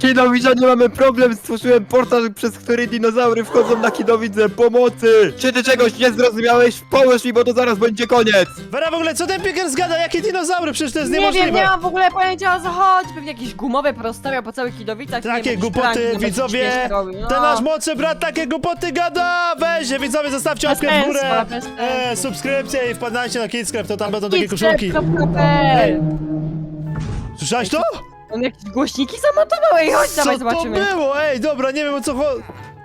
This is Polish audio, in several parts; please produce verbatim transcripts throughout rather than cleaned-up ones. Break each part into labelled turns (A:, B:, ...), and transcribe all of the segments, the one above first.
A: Kidowiczanie, mamy problem, stworzyłem portal, przez który dinozaury wchodzą na Kidowicę. Pomocy! Czy ty czegoś nie zrozumiałeś? Pomóż mi, bo to zaraz będzie koniec!
B: Vera, w ogóle co ten Pickers gada? Jakie dinozaury? Przecież to jest
C: Nie
B: niemożliwe.
C: wiem, nie mam w ogóle pojęcia o co chodzi. Pewnie jakieś gumowe prostawiał po całych Kidowicach. nie
B: Takie
C: wiem, jakieś
B: głupoty,
C: pranki, nawet
B: widzowie!
C: śmieszne robi, no.
B: Ten nasz młodszy brat takie głupoty gada! Weź się, widzowie, zostawcie
C: Bez
B: łapkę w górę!
C: sensu, bez sensu.
B: E, subskrypcję i wpadajcie na Kidscrap, to tam będą takie
C: Kidscrap
B: koszulki.
C: kropka p l.
B: Słyszałeś to?
C: On jakieś głośniki zamontował, ej, chodź,
B: Co
C: dawaj
B: to
C: zobaczymy.
B: było? Ej, dobra, nie wiem o co chodzi.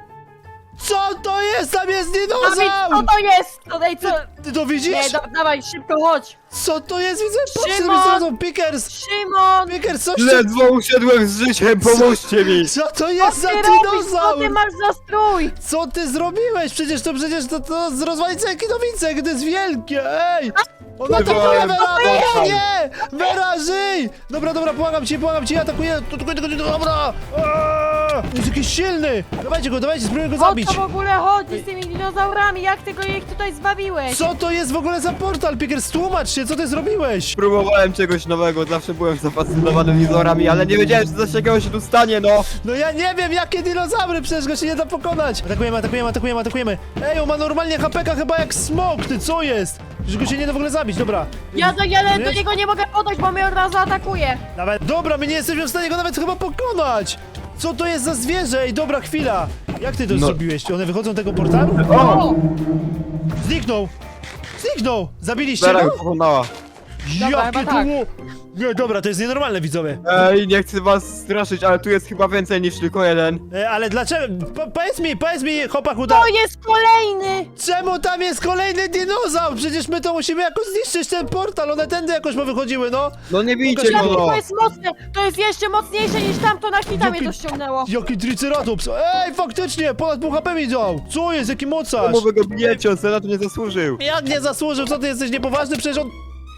B: Co to jest? Tam jest
C: Dawid,
B: dinozaur!
C: co to jest? To, ej, co?
B: Ty to widzisz?
C: Nie, da, dawaj, szybko chodź.
B: Co to jest? Widzę, patrzcie,
C: Szymon!
B: to są Pickers!
C: Szymon!
B: Pickers, coś ty...
A: Ledwo usiadłem z życiem, pomóżcie mi!
B: Co to jest za
C: Co ty robisz? Co
B: dinozaur?
C: ty masz za strój?
B: Co ty zrobiłeś? Przecież to przecież to, to z rozwalicy Kidowice, gdy jest wielkie, ej! On atakuje
A: Wywołałem
B: Vera!
A: portal.
B: Nie! Vera, żyj! Dobra, dobra, pomagam ci, pomagam ci, atakuję! Tu, tu, tu, tu, dobra! Aaaa! Jest jakiś silny! Dawajcie go, dawajcie, spróbujmy go
C: O
B: zabić!
C: co w ogóle chodzi z tymi dinozaurami? Jak ty go ich tutaj zbawiłeś?
B: Co to jest w ogóle za portal, Pickers? Tłumacz się, co ty zrobiłeś?
A: Próbowałem czegoś nowego, zawsze byłem zafascynowany dinozorami, ale nie wiedziałem, że coś takiego się tu stanie, no!
B: No ja nie wiem, jakie dinozaury, przecież go się nie da pokonać! Atakujemy, atakujemy, atakujemy, atakujemy! Ej, on ma normalnie H P K chyba jak smok, ty co jest? Że go się nie da w ogóle zabić, dobra.
C: Ja do, ja do
B: Wiesz?
C: niego nie mogę podejść, bo mnie od razu atakuje.
B: Nawet, dobra, my nie jesteśmy w stanie go nawet chyba pokonać! Co to jest za zwierzę? Ej, dobra, chwila! Jak ty to
A: No.
B: zrobiłeś? One wychodzą z tego portalu?
A: O!
B: Zniknął! Zniknął! Zabiliście
A: Vera
B: go?
A: go pokonała.
C: Dobra,
B: Jakie
C: chyba
B: to
C: tak.
B: było... Nie, dobra, to jest nienormalne, widzowie.
A: Ej, nie chcę was straszyć, ale tu jest chyba więcej niż tylko jeden.
B: E, ale dlaczego? Po, powiedz mi, powiedz mi, chłopaku, da...
C: To jest kolejny!
B: Czemu tam jest kolejny dinozaur? Przecież my to musimy jakoś zniszczyć ten portal, one tędy jakoś powychodziły, no!
A: No nie bijcie
B: Pokaż-
A: go,
C: Jakie
A: no!
C: to jest mocne! To jest jeszcze mocniejsze niż tamto, na hita mnie
B: Jaki-
C: to ściągnęło.
B: Jaki triceratops! Ej, faktycznie, ponad pół H P mi dał! Co jest, jaki mocarz?
A: Czemu wy go bijecie? On sobie na to nie zasłużył.
B: Jak nie zasłużył, co ty jesteś niepoważny? Przecież on...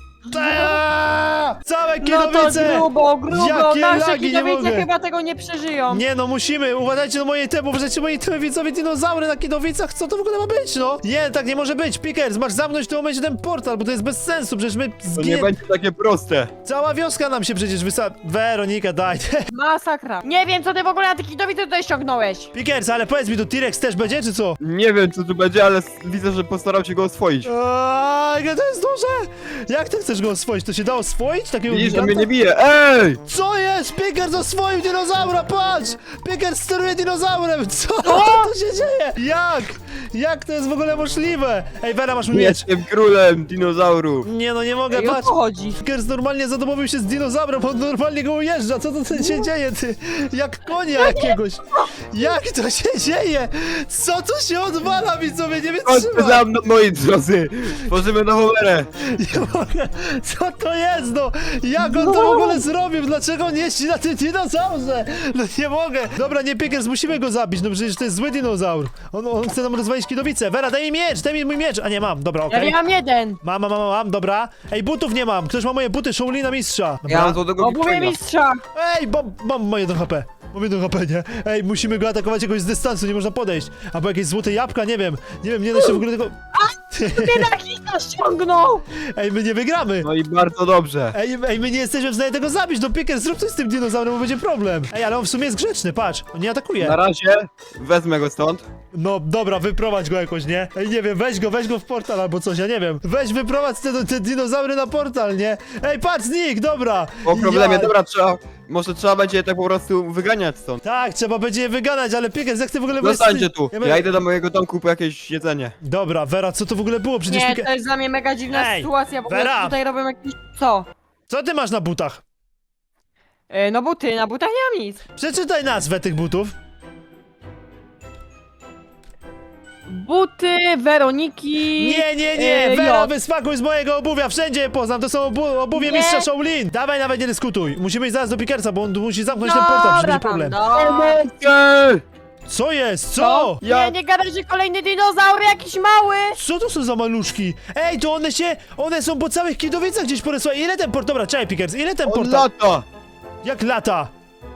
B: Eee! Całe
C: No to
B: Kierowice!
C: grubo, grubo,
B: Jakie
C: nasze
B: lagi, nie
C: Kidowice
B: mogę.
C: chyba tego nie przeżyją.
B: Nie no, musimy, uważajcie na moje temu, uważajcie na moje temu, widzowie, dinozaury na Kidowicach, co to w ogóle ma być, no? Nie, tak nie może być, Pickers, masz zamknąć w tym momencie ten portal, bo to jest bez sensu, przecież my
A: To nie
B: zginie...
A: będzie takie proste.
B: Cała wioska nam się przecież wysa... Weronika, daj.
C: Masakra. Nie wiem, co ty w ogóle na te Kidowice tutaj ściągnąłeś.
B: Pickers, ale powiedz mi, to T-Rex też będzie, czy co?
A: Nie wiem, co tu będzie, ale s- widzę, że postarał się go oswoić.
B: Aaaa, jakie to jest duże! Jak ty chcesz go oswoić? To się da oswoić? Takiego
A: Widzisz, on
B: giganta?
A: mnie nie bije. Ej!
B: Co jest? Pickers oswoił dinozaura, patrz! Pickers steruje dinozaurem, co tu się dzieje? Jak? Jak to jest w ogóle możliwe? Ej, Vera, masz mój miecz.
A: Jestem królem dinozaurów.
B: Nie no, nie mogę,
C: Ej, o
B: patrz.
C: co chodzi?
B: Pickers normalnie zadomowił się z dinozaurem, on normalnie go ujeżdża, co to tu się dzieje, ty? Jak konia jakiegoś. Jak to się dzieje? Co tu się odwala, widzowie, nie
A: Chodźcie
B: wytrzymam.
A: za mną, moi drodzy. Tworzymy nową erę.
B: Nie mogę. Co to jest, no? Jak on to w ogóle zrobił? Dlaczego on jeździ na tym dinozaurze? No nie mogę. Dobra, nie Pickers, musimy go zabić, no przecież to jest zły dinozaur. On, on chce nam rozwalić Kidowicę. Vera, daj mi miecz, daj mi mój miecz. A nie, mam, dobra,
C: Ja
B: okej.
C: nie mam jeden.
B: Mam, mam, mam, mam, dobra. Ej, butów nie mam. Ktoś ma moje buty Shaolina mistrza. Dobra.
A: Ja mam złotego
C: Obuwie
A: Wiktoria.
C: mistrza.
B: Ej, bo, mam moje jeden H P. Mam jeden H P, nie? Ej, musimy go atakować jakoś z dystansu, nie można podejść. Albo jakieś złote jabłka, nie wiem. Nie wiem, nie da się w ogóle tego...
C: Ty na hita ściągnął.
B: Ej, my nie wygramy.
A: No i bardzo dobrze.
B: Ej, ej, my nie jesteśmy w stanie tego zabić, no Pickers, zrób coś z tym dinozaurem, bo będzie problem. Ej, ale on w sumie jest grzeczny, patrz, on nie atakuje.
A: Na razie wezmę go stąd.
B: No dobra, wyprowadź go jakoś, nie? Ej, nie wiem, weź go, weź go w portal albo coś, ja nie wiem. Weź, wyprowadź te, te dinozaury na portal, nie? Ej, patrz, znik, dobra.
A: Po problemie,
B: Ja-
A: dobra, trzeba... Może trzeba będzie je tak po prostu wyganiać stąd.
B: Tak, trzeba będzie je wyganać, ale Pickers, jak ty w ogóle...
A: Zostańcie tu.
B: Ja,
A: Ja idę do mojego domku po jakieś jedzenie.
B: Dobra, Vera, co to w ogóle było? Przecież
C: Nie,
B: Pickers...
C: to jest dla mnie mega dziwna
B: Ej,
C: sytuacja, w ogóle
B: Vera.
C: tutaj robią jakieś... Co?
B: Co ty masz na butach?
C: E, no buty, na butach nie mam nic.
B: Przeczytaj nazwę tych butów.
C: Buty Weroniki...
B: Nie, nie, nie,
C: e,
B: Vera,
C: J.
B: wysmakuj z mojego obuwia, wszędzie je poznam, to są obu obuwie
C: Nie.
B: mistrza Shaolin. Dawaj, nawet nie dyskutuj. Musimy iść zaraz do Pickersa, bo on musi zamknąć ten portal, przecież
C: Dobra
B: będzie
C: tam,
B: problem.
C: no.
A: Ej!
B: Co jest? Co?
C: Co?
A: Ja-
C: Nie, nie gadaj, że kolejny dinozaur jakiś mały!
B: Co to są za maluszki? Ej, to one się, one są po całych Kidowicach gdzieś porysłały. Ile ten port, dobra, czekaj Pickers, ile ten
A: On
B: portal?
A: lata!
B: Jak lata?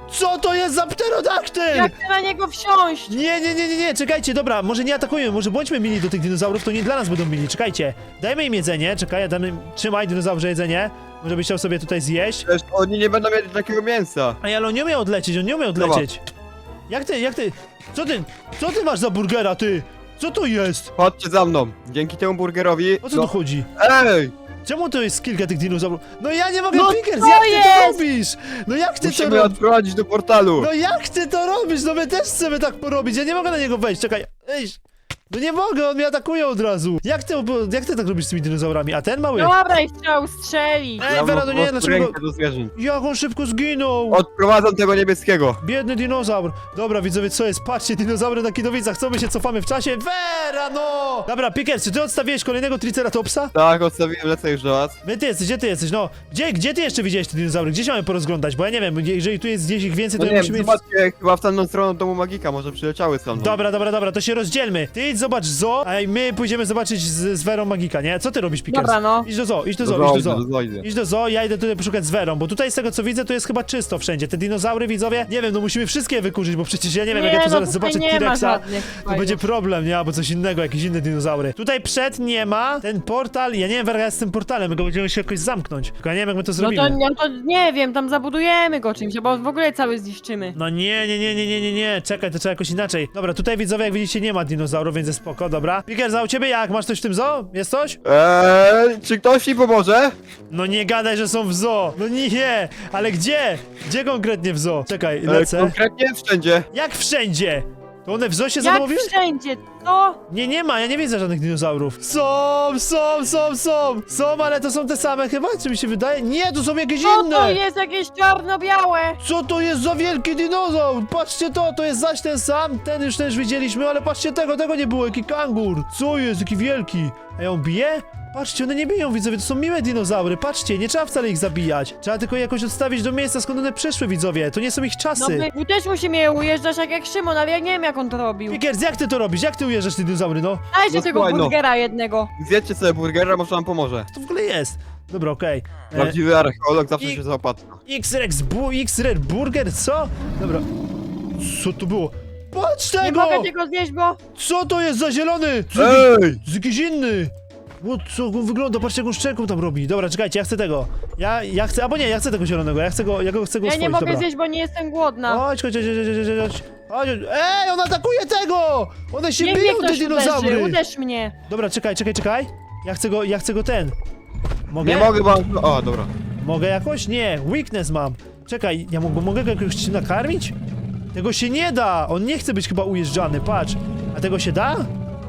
B: Co to jest za pterodaktyl?
C: Jak chcę na niego wsiąść?
B: Nie, nie, nie, nie, nie, czekajcie, dobra, może nie atakujemy, może bądźmy mili do tych dinozaurów, to nie dla nas będą mili, czekajcie. Dajmy im jedzenie, czekaj, damy, trzymaj dinozaurze jedzenie, może byś chciał sobie tutaj zjeść.
A: Przecież oni nie będą mieli takiego mięsa.
B: Ej, ale on nie umie odlecieć, on nie umie odlecieć. Jak ty, jak ty, co ty, co ty masz za burgera, ty? Co to jest?
A: Chodźcie za mną. Dzięki temu burgerowi...
B: O co
A: no-
B: tu chodzi?
A: Ej!
B: Czemu to jest kilka tych dinozaurów? No ja nie mogę,
C: No
B: Pickers,
C: co
B: jak ty to
C: jest?
B: robisz? No jak ty
A: Musimy
B: to robisz?
A: odprowadzić do portalu.
B: No jak ty to robisz? No my też chcemy tak porobić, ja nie mogę na niego wejść, czekaj. Ej, no nie mogę, on mnie atakuje od razu. Jak ty, jak ty tak robisz z tymi dinozaurami? A ten mały?
C: Dobra, i chciał strzelić.
B: Ej,
A: Ja
B: Vera,
A: mam
B: no nie,
A: po prostu
B: dlaczego...
A: rękę do zwierząt.
B: Jak on szybko zginął?
A: Odprowadzam tego niebieskiego.
B: Biedny dinozaur. Dobra, widzowie, co jest? Patrzcie, dinozaury na Kidowicach, co my się cofamy w czasie? Vera, no! Dobra, Pickers, czy ty odstawiłeś kolejnego Triceratopsa?
A: Tak, odstawiłem, lecę już do was.
B: My ty jesteś, gdzie ty jesteś? No, gdzie, gdzie ty jeszcze widziałeś te dinozaury? Gdzie się mamy porozglądać? Bo ja nie wiem, jeżeli tu jest gdzieś ich więcej,
A: No
B: to
A: nie
B: musimy...
A: wiem, zobaczcie, chyba w tamtą stronę domu magika, może przyleciały stamtąd.
B: Dobra, dobra, dobra, to się rozdzielmy. Ty idź zobacz zoo, a my pójdziemy zobaczyć z, z Werą Magika, nie? Co ty robisz, Pickers?
C: Dobra, no.
B: Idź do zoo, idź do zoo,
A: Dobra,
B: idź do zoo.
A: dobra, idę.
B: Idź do zoo, ja idę tutaj poszukać z Werą, bo tutaj z tego co widzę, to jest chyba czysto wszędzie. Te dinozaury, widzowie, nie wiem, no musimy wszystkie wykurzyć, bo przecież ja nie wiem, jak ja tu
C: no
B: zaraz
C: tutaj
B: zobaczę
C: nie ma
B: T-Rexa,
C: żadnych
B: to
C: fajnych.
B: będzie problem, nie? Albo coś innego, jakieś inne dinozaury. Tutaj przed nie ma, ten portal, ja nie wiem, Wera, jak z tym portalem, my go będziemy się jakoś zamknąć. Tylko ja nie wiem, jak my to
C: No
B: zrobimy.
C: to, no to nie wiem, tam zabudujemy go czymś, bo w ogóle cały zniszczymy.
B: No nie, nie, nie, nie, nie, nie, nie, czekaj, to trzeba jakoś inaczej. Dobra, tutaj widzowie, jak widzicie, nie ma dinozaurów, więc jest spoko, dobra. Pickers, a u ciebie jak? Masz coś w tym zoo? Jest coś?
A: Eee, czy ktoś mi pomoże?
B: No nie gadaj, że są w zoo. No nie, ale gdzie? Gdzie konkretnie w zoo? Czekaj,
A: Eee,
B: lecę.
A: konkretnie wszędzie.
B: Jak wszędzie? To one w zoo się
C: Jak
B: zadomowiły?
C: wszędzie, co?
B: Nie, nie ma, ja nie widzę żadnych dinozaurów. Są, są, są, są. Są, ale to są te same chyba, czy mi się wydaje? Nie, to są jakieś
C: Co to
B: inne.
C: jest jakieś czarno-białe?
B: Co to jest za wielki dinozaur? Patrzcie to, to jest zaś ten sam, ten już też widzieliśmy, ale patrzcie tego, tego nie było, jaki kangur. Co jest, jaki wielki? A on bije? Patrzcie, one nie biją, widzowie, to są miłe dinozaury, patrzcie, nie trzeba wcale ich zabijać. Trzeba tylko je jakoś odstawić do miejsca, skąd one przyszły, widzowie, to nie są ich
C: No
B: czasy.
C: my my też musimy je ujeżdżać tak jak Szymon, ale ja nie wiem jak on to robił.
B: Pickers, jak ty to robisz? Jak ty ujeżdżasz te dinozaury, no?
C: Dajcie
A: No
C: tego
A: słuchaj, no.
C: burgera jednego.
A: Zjedzcie sobie burgera, może wam pomoże.
B: Co to w ogóle jest? Dobra, okej. E,
A: Prawdziwy archeolog zawsze
B: i-
A: się zaopatra.
B: X-Rex, bu, X-Red Burger, co? Dobra. Co to było? Patrz
C: Nie
B: tego!
C: mogę tego zjeść, bo...
B: Co to jest za zielony? Co jakiś,
A: Ej!
B: z jakiś inny. O, co on wygląda? Patrzcie, jaką szczęką tam robi. Dobra, czekajcie, ja chcę tego. Ja, ja chcę, albo nie, ja chcę tego zielonego, ja chcę go, ja go chcę go
C: Ja
B: oswoić,
C: nie mogę
B: dobra.
C: zjeść, bo nie jestem głodna.
B: Chodź, chodź, chodź, chodź, chodź, chodź, chodź. Ej, on atakuje tego! One się
C: Niech mnie
B: biją, te
C: ktoś
B: dinozaury!
C: uderzy, uderz mnie.
B: Dobra, czekaj, czekaj, czekaj. Ja chcę go, ja chcę go ten. Mogę?
A: Nie mogę, bo... O, dobra.
B: Mogę jakoś? Nie, weakness mam. Czekaj, ja mogę, mogę go jakoś nakarmić? Tego się nie da! On nie chce być chyba ujeżdżany, patrz. A tego się da?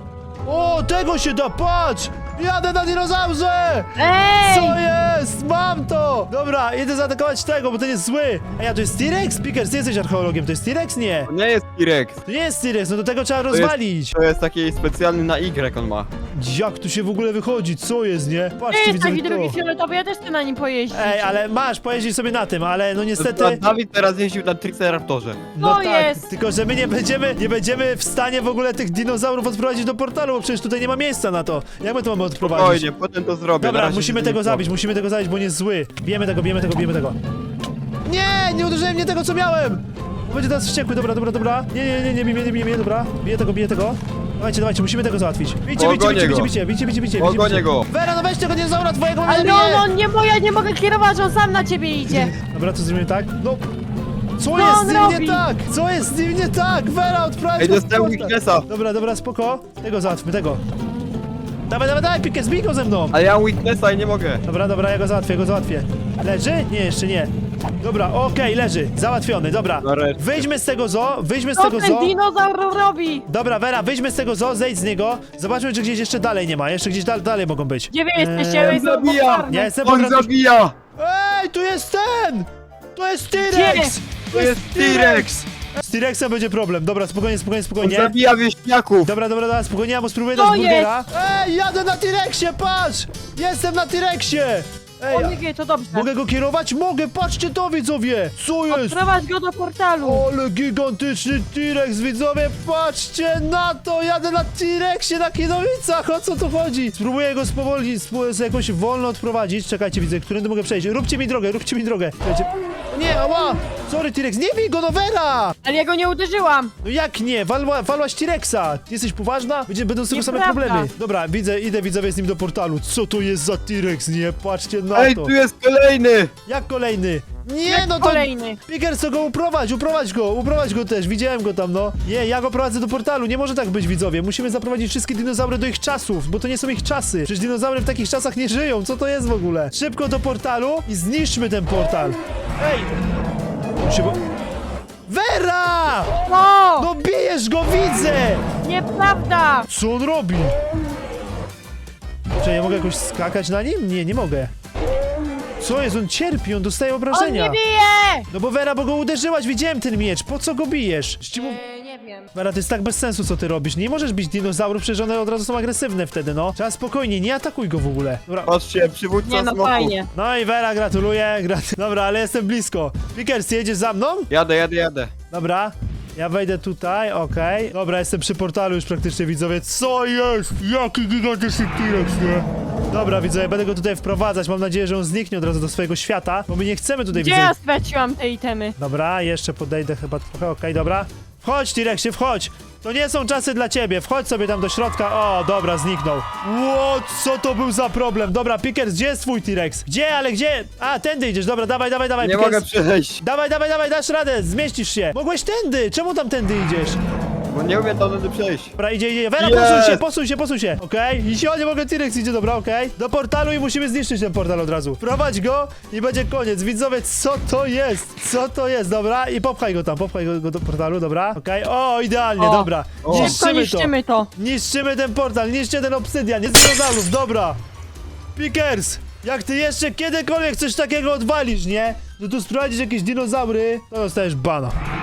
B: O, tego się da, patrz! Jadę na dinozaurze!
C: Ej!
B: Co jest? Mam to! Dobra, idę zaatakować tego, bo ten jest zły. A ja, to jest T-Rex? Pickers, ty jesteś archeologiem, to jest T-Rex? Nie.
A: To nie jest T-Rex.
B: To nie jest T-Rex, no do tego trzeba
A: jest-
B: rozwalić.
A: To jest taki specjalny na Y on ma.
B: Jak tu się w ogóle wychodzi? Co jest, nie?
C: Ty
B: Patrzcie,
C: jest
B: widzę
C: taki drugi
B: to.
C: fioletowy, ja też chcę na nim pojeździć.
B: Ej, ale masz, pojeźdź sobie na tym, ale no
A: A
B: niestety...
A: Dawid teraz jeździł na Triceraptorze.
B: No
C: To
B: tak,
C: jest.
B: tylko że my nie będziemy, nie będziemy w stanie w ogóle tych dinozaurów odprowadzić do portalu, bo przecież tutaj nie ma miejsca na to. Jak my to mamy odprowadzić?
A: Spokojnie, potem to zrobię. Na
B: Dobra,
A: razie
B: musimy
A: się
B: tego
A: nie
B: zabić, musimy tego zabić, bo on jest zły. Bijemy tego, bijemy tego, bijemy tego. Nie, nie uderzyłem mnie tego, co miałem! Będzie teraz wściekły, dobra, dobra, dobra. Nie, nie, nie, nie, nie, nie, nie, nie, dobra. Biję tego, biję tego. Dawajcie, dawajcie, musimy tego załatwić. Bijcie, bijcie,
A: Pogonię
B: bijcie,
A: go.
B: bijcie, bijcie, bijcie, bijcie, bijcie,
A: Pogonię
B: bijcie.
A: go.
B: Vera, no weź tego dinozaura twojego,
C: Ale
B: nie,
C: no, no, nie, bo ja nie mogę kierować, on sam na ciebie idzie.
B: Dobra, to zrobimy tak. No. Co
C: Co
B: jest
C: on
B: z nim nie
C: robi?
B: tak? Co jest z nim nie tak? Vera, odprawić
A: Ej,
B: go w
A: dostałem
B: portal.
A: weaknessa.
B: Dobra, dobra, spoko. Tego załatwmy, tego. Dawaj, dawaj, dawaj, Pickers, bij go ze mną.
A: Ale ja mam weaknessa i nie mogę.
B: Dobra, dobra, ja go załatwię, ja go załatwię. Leży? Nie, jeszcze nie. Dobra, okej, leży. Załatwiony, dobra.
A: Nareszcie.
B: Wyjdźmy z tego zoo, wyjdźmy z
C: Co
B: tego
C: ten
B: zoo.
C: dinozaur robi?
B: Dobra, Vera, wyjdźmy z tego zoo, zejdź z niego. Zobaczmy, czy gdzieś jeszcze dalej nie ma. Jeszcze gdzieś dal dalej mogą być.
C: Gdzie wy
B: Eee,
C: jesteście? Eee,
A: zabija.
B: Ja jestem po
A: On
B: drodze-
A: zabija!
B: Ej, tu jest ten! To jest T-Rex!
A: To jest T-Rex!
B: Z T-Rexem będzie problem. Dobra, spokojnie, spokojnie,
A: On
B: spokojnie.
A: zabija wieśniaków!
B: Dobra, dobra, dobra, spokojnie, ja mu spróbuję
C: To
B: dać burgera. Ej, jadę na T-Rexie, patrz! Jestem na T-Rexie! Ej,
C: O
B: a-
C: nie, to dobrze.
B: mogę go kierować? Mogę, patrzcie to, widzowie! Co jest?
C: Odprowadź go do portalu.
B: Ale gigantyczny T-Rex, widzowie, patrzcie na to! Jadę na T-Rexie na Kidowicach, o co tu chodzi? Spróbuję go spowolnić, spróbuję jakoś wolno odprowadzić. Czekajcie, widzę, którędy mogę przejść. Róbcie mi drogę, róbcie mi drogę. Czekajcie. nie, ała! Sorry, T-Rex, nie bij go, no Vera!
C: Ale ja go nie uderzyłam.
B: No jak nie? Walła, walłaś T-Rexa! Ty jesteś poważna? Będzie, będą z tego same
C: Nieprawda.
B: problemy. Dobra, widzę, idę widzowie z nim do portalu. Co to jest za T-Rex, nie? Patrzcie na
A: Ej,
B: to.
A: tu jest kolejny!
B: Jak kolejny? Nie,
C: Jak
B: no to...
C: kolejny.
B: Pickers, to go uprowadź, uprowadź go, uprowadź go też, widziałem go tam, no. Nie, ja go prowadzę do portalu, nie może tak być, widzowie. Musimy zaprowadzić wszystkie dinozaury do ich czasów, bo to nie są ich czasy. Przecież dinozaury w takich czasach nie żyją, co to jest w ogóle? Szybko do portalu i zniszczmy ten portal. Ej! On się bo... Vera!
C: No!
B: No bijesz go, widzę!
C: Nieprawda!
B: Co on robi? Czy ja mogę jakoś skakać na nim? Nie, nie mogę. Co jest? On cierpi, on dostaje
C: On
B: obrażenia.
C: nie bije!
B: No bo Vera, bo go uderzyłaś, widziałem ten miecz. Po co go bijesz? Ci mu...
C: E, nie wiem.
B: Vera, to jest tak bez sensu, co ty robisz. Nie możesz bić dinozaurów, przecież one od razu są agresywne wtedy, no. Trzeba spokojnie, nie atakuj go w ogóle. Dobra.
A: Patrzcie, przywódca
C: Nie no,
A: smoków.
C: fajnie.
B: No i Vera, gratuluję. Grat... Dobra, ale jestem blisko. Pickers, jedziesz za mną?
A: Jadę, jadę, jadę.
B: Dobra. Ja wejdę tutaj, okej. Dobra, jestem przy portalu już praktycznie, widzowie. Co jest? Jaki gigantyczny T-Rex, nie? Dobra, widzowie, będę go tutaj wprowadzać. Mam nadzieję, że on zniknie od razu do swojego świata, bo my nie chcemy tutaj,
C: Gdzie
B: widzowie...
C: ja straciłam te itemy?
B: Dobra, jeszcze podejdę chyba trochę, okej, dobra. Wchodź, T-Rexie, wchodź! To nie są czasy dla ciebie, wchodź sobie tam do środka. O, dobra, zniknął. Ło, co to był za problem? Dobra, Pickers, gdzie jest twój T-Rex? Gdzie, ale gdzie? A, tędy idziesz, dobra, dawaj, dawaj, dawaj,
A: Nie
B: Pickers.
A: mogę przejść,
B: Dawaj, dawaj, dawaj, dasz radę, zmieścisz się. Mogłeś tędy, czemu tam tędy idziesz?
A: bo nie umiem tędy przejść.
B: Dobra, idzie, idzie. Vera,
A: Jest!
B: posuń się, posuń się, posuń się. Okej, i się, nie mogę, T-Rex idzie, dobra, okej. Do portalu i musimy zniszczyć ten portal od razu. Prowadź go i będzie koniec. Widzowie, co to jest? Co to jest, dobra? I popchaj go tam, popchaj go, go do portalu, dobra? Okej, o, idealnie,
C: O.
B: dobra.
A: O.
C: Szybko
B: Niszczymy to.
C: niszczymy to.
B: Niszczymy ten portal, niszczcie ten obsydian, jest dinozaurów, dobra. Pickers, jak ty jeszcze kiedykolwiek coś takiego odwalisz, nie? No tu sprowadzisz jakieś dinozaury, to dostajesz bana.